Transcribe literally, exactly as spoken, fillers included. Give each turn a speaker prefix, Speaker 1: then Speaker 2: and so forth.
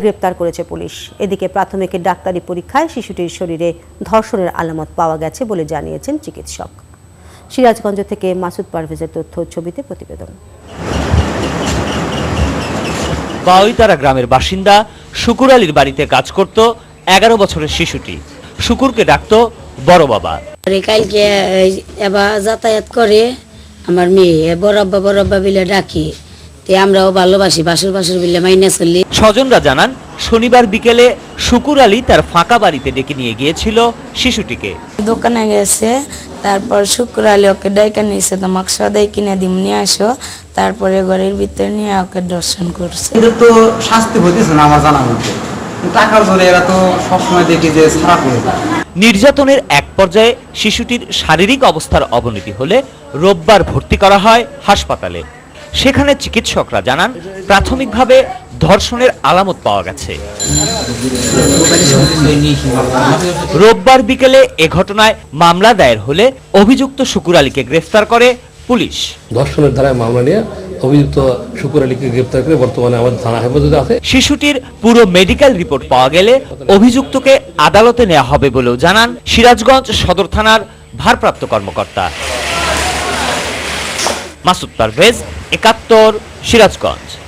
Speaker 1: গ্রেপ্তার করেছে পুলিশ। এদিকে প্রাথমিক ডাক্তারি পরীক্ষায় শিশুটির শরীরে ধর্ষণের আলামত পাওয়া গেছে বলে জানিয়েছেন চিকিৎসক। সিরাজগঞ্জ থেকে মাসুদ পারভেজের তথ্য ছবিতে প্রতিবেদন।
Speaker 2: বাউইতারা গ্রামের বাসিন্দা শুকুর আলীর বাড়িতে কাজ করত এগারো বছরের শিশুটি। শুকুরকে ডাকত বড় বাবা।
Speaker 3: কালকে এবার যাতায়াত করে আমার মেয়ে বড় আব্বা বড় আব্বা বিলে ডাকি, আমরাও ভালোবাসি, বাসুর বাসুর বিলে মাইনে চলি।
Speaker 2: স্বজনরা জানান, শনিবার বিকেলে শুকুর আলী তার ফাঁকা বাড়িতে ডেকে নিয়ে গিয়েছিল শিশুটিকে।
Speaker 4: দোকানে গেছে, তারপর শুকুর আলী ওকে ডাইকা নিয়েছে, তোমাকে সদাই কিনে দিম নিয়ে আসো, তারপরে ঘরের ভিতরে নিয়ে ওকে দর্শন করছে।
Speaker 5: এটা তো শাস্তি হইতেছে না আমার জানা মতে, টাকার জোরে এরা তো সবসময় দেখি যে ছাড়া করে যায়।
Speaker 2: নির্যাতনের এক পর্যায়ে শিশুটির শারীরিক অবস্থার অবনতি হলে রোববার ভর্তি করা হয় হাসপাতালে। সেখানে চিকিৎসকরা জানান, প্রাথমিকভাবে ধর্ষণের আলামত পাওয়া গেছে। রোববার বিকেলে এ ঘটনায় মামলা দায়ের হলে অভিযুক্ত শুকুর আলীকে গ্রেফতার করে পুলিশ।
Speaker 6: ধর্ষণের ধারায় মামলা নিয়ে অভিযুক্ত শুকুর আলীকে গ্রেফতার করে বর্তমানে আমাদের থানা হেফাজতে আছে।
Speaker 2: শিশুটির পুরো মেডিকেল রিপোর্ট পাওয়া গেলে অভিযুক্তকে আদালতে নেওয়া হবে বলেও জানান সিরাজগঞ্জ সদর থানার ভারপ্রাপ্ত কর্মকর্তা। মাসুদ পারভেজ, একাত্তর, সিরাজগঞ্জ।